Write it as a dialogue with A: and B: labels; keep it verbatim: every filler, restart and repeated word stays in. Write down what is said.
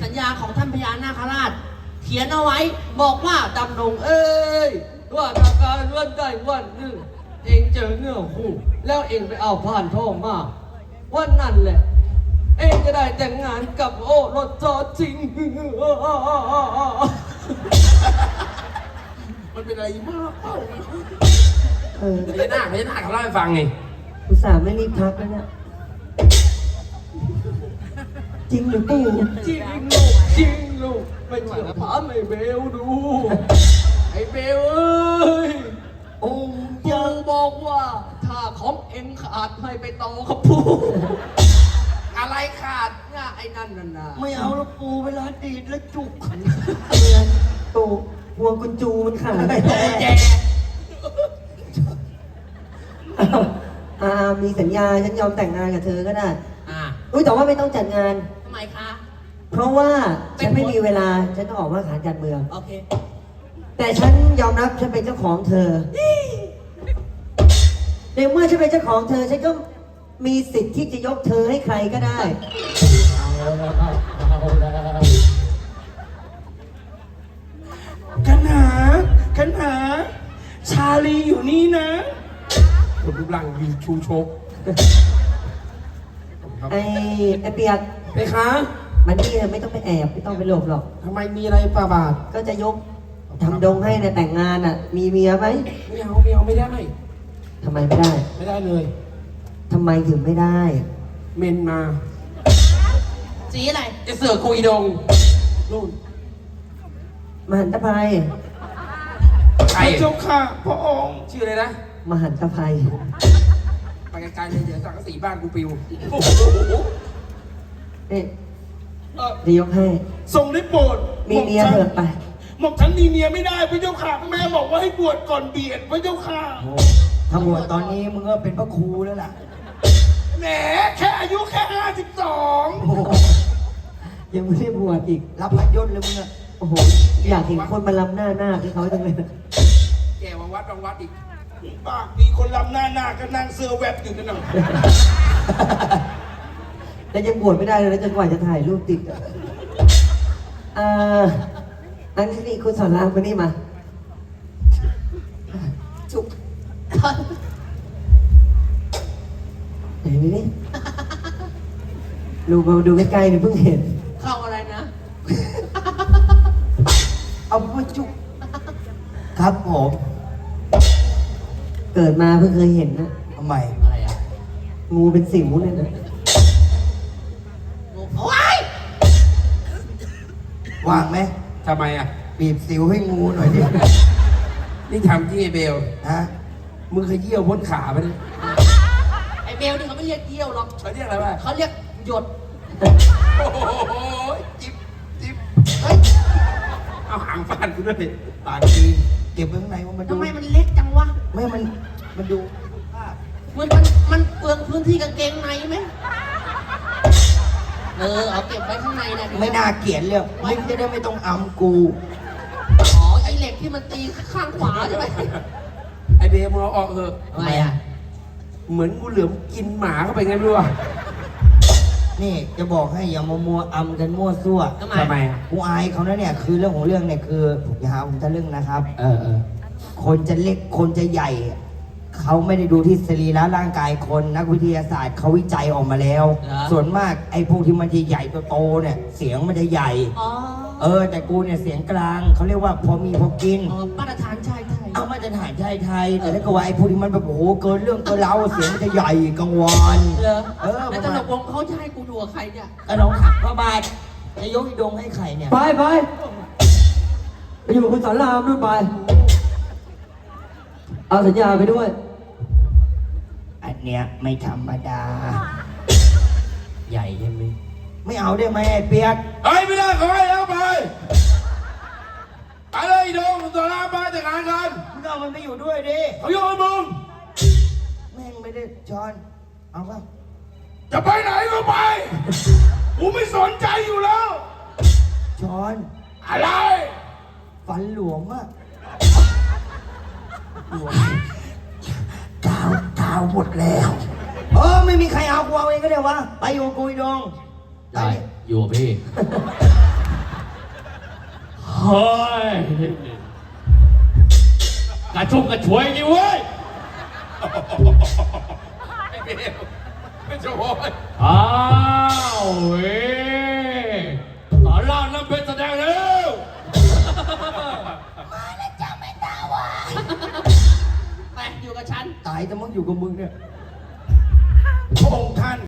A: สัญญาของท่านพญานาคราชเขียนเอาไว้บอกว่าดำดงเอ้ยว่าจากการวันใดวันหนึ่งเองเจอเนื้อคู่แล้วเองไปเอาผ่านทองมาวันนั้นแหละเองจะได้แต่งงานกับโอ้รถจอจริงมันเป็นอะไรมากเปล่า
B: เออ
C: พญานาคพญานาคเขาเล่าให้ฟังไง
B: อุตส่าห์ไม่รีบทักแล้วเนี่ยจริงหรือปู่
A: จริงลูกจริงลูกไม่เชื่อถามไอ้เบลดูไอ้เบลเอ้ยองค์ปู่บอกว่าถ้าของเอ็งขาดให้ไปต่อกับปู่อะไรขาดง่ะไอ้นั่นน่ะนะไม่เอาแล้วปู่เวลาดีดแล้วจุก
B: เมือนปู่พวงกุญจูมันขาด
A: แจ
B: อ่ามีสัญญาฉันยอมแต่งงานกับเธอก็ได้
A: อ่า
B: อุ้ยแต่ว่าไม่ต้องจัดงาน
A: ทำไมคะ
B: เพราะว่าฉันไม่มีเวลาฉันต้องออกว่าขานการเมือง
A: โอเค
B: แต่ฉันยอมรับฉันเป็นเจ้าของเธอในเมื่อฉันเป็นเจ้าของเธอฉันก็มีสิทธิ์ที่จะยกเธอให้ใครก็ได้
D: ขันหาขันหาชาลีอยู่นี่นะ
C: คนรูปร่างวีชูโชก
B: ไอ้ไอ้เปียก
C: ไปคะ
B: มันนี่เธอไม่ต้องไปแอบไม่ต้องไปหลบหรอก
C: ทำไมมีอะไรป่าบาท
B: ก็จะยกทำดงให้นะแต่งงานอ่ะ มีเมียไหม
C: ไม่เอาไม่เอาไม่ได้
B: ทำไมไม่ได้
C: ไม่ได้เลย
B: ทำไมถึงไม่ได้
C: เมนมา
A: สีอะไร
C: จะเสือกคุยดงนู่น
B: มหันตภัย
C: ใคร
D: พระเจ้าค่ะพระองค์
C: ชื่ออะไรนะ
B: มหันตภัย
C: ไปไกลๆเลยเดี๋ยวสังกะสีบ้านกูปิว
B: นี่
D: เอ่อ
B: จะยกให้
D: ทรงได้โปรด
B: มีเมียเถอะไป
D: หม่อมฉันมีเมียไม่ได้พระเจ้าค่ะแม่บอกว่าให้บวชก่อนเบียดพระเจ้าค่ะ
E: ถ้าบวชตอนนี้มึงก็เป็นพระครูแล้วล่ะ
D: แหมแค่อายุแค่ห้าสิบสอง
B: ยังไม่ได้บวชอีก
E: รับพัดยศเลยมึงอะ
B: โอ้โห อยากเห็นคนมาลำหน้าหน้าที่เขาจังเลยนะ
C: แกวังวัดวังวัดอีก
D: ปากมีคนลำหน้าหน้าก็นั่งเสื้อแวบอยู่นั่นน่ะ
B: แล้วยังบวชไม่ได้เลยนะจนกว่าจะถ่ายรูปติดอ่ะเอ่ออันนี้คุณสอนรามคนนี้มาจุกไหนนี่ดูมาดูใกล้ๆเนี่ยเพิ่งเห็น
A: เข้าอะไรนะ
E: เอาพระจุกครับผม
B: เกิดมาเพิ่งเคยเห็นนะ
E: ทำไม
A: อะไรอ่ะ
B: งูเป็นสิวเนี่ยนะ
A: โอ้ย
E: ว่างไหม
C: ทำไมอ่ะ
E: บีบสิวให้งูหน่อยดิ
C: นี่ทำที่ไอเบล
E: ฮะ
C: มึงเคยเยี่ยวพ้นขาไปเลย
A: ไอ้เบลนี่เขาไม่เรียกเยี่ยวหรอก
C: เขาเรียกอะไรวะ
A: เขาเรียกหยด
C: โอ้โหจิ๊บจิ๊บเฮ้ยเอาหางฟาดกูด้วย
E: ปากดีเก็บไว้ข้างในว่ามันดู
A: ทำไมมันเล็กจังวะ
E: ไม่มันมันดูภาพ
A: มันมันมันเปลืองพื้นที่กางเกงในไหมเออเอาเก็บไว้ข้างในนะ
E: ไม่น่าเกลียดเลยมึงจะได้ไม่ต้องอำกู
A: อ๋อไอเหล็กที่มันตีข้างขวาใช่ไหม
C: ไอเบลมึงเอาออกเถอะ
A: ทำไมอ่ะ
C: เหมือนงูเหลือมกินหมาเข้าไปไงไม่รู้อะ
E: นี่จะบอกให้อย่ามามัวอำกันมั่วซั่ว
A: ทำไม
C: ทำไมอะ
E: กูอายเขานะเนี่ยคือเรื่องของเรื่องเนี่ยคืออย่าหาผมทะลึ่งนะครับ
C: เออเออ
E: คนจะเล็กคนจะใหญ่ เขาไม่ได้ดูที่สรีระร่างกายคนนักวิทยาศาสตร์เขาวิจัยออกมาแล้ว ส่วนมากไอ้พวกที่มันจะใหญ่โตๆเนี่ยเสียงมันจะใหญ่
A: อ๋อ
E: เออ แต่กูเนี่ยเสียงกลางเขาเรียกว่าพอมีพอกิน
A: อ๋อมาตรฐานชายไทย
E: เอามาตรฐานชายไทย แต่ถ้าเกิดว่าไอ้พวกที่มันแบบโอ้โหเกินเรื่องเกินเล้าเสียงมันจะใหญ่กังวล
A: เหรอ
E: เออ
A: แล้วตลกวงเขาจะให้กูอยู่กับใครเนี่ย
E: ก็ลองขับพระบาทจะยกอีดงให้ใครเนี่ย
B: ไปไปไปอยู่กับคุณสอนรามด้วยไป เอาสัญญาไปด้วย
E: อันเนี้ยไม่ธรรมดา
C: ใหญ่ใช่ไหม
E: ไม่เอาได้ไหมไอ้เปียก
C: เฮ้ยไม่ได้ขอให้แล้วไปไปเลยดงตัวน้ามาจัดการกัน
E: มึงเอามันไปอยู่ด้วยดิ
C: เขาโยนมึง
E: แม่งไม่ได้ช้อนเอาป่ะ
D: จะไปไหนก็ไปกูไม่สนใจอยู่แล้ว
E: ช้อน
D: อะไร
E: ฟันหลวมอะหลวมกาวกาวหมดแล้ว เออไม่มีใครเอากูเอาเองก็ได้วะ ไปอยู่กับกูอีดง
C: ได้อยู่พี่
A: ฮ้ยกระชุ่มกระชวยนี่เว้ย
C: ไอ้เบลไม่โวย
A: อ้าวเว้ยสอนรามน้ำเพชรแสดงแล้ว
E: มาแล้วจ้าแม่ดาวอ่ะ
A: ไปอยู่กับฉัน
E: ตายแต่มึงอยู่กับมึงเนี่ย
C: พระองค์ท่าน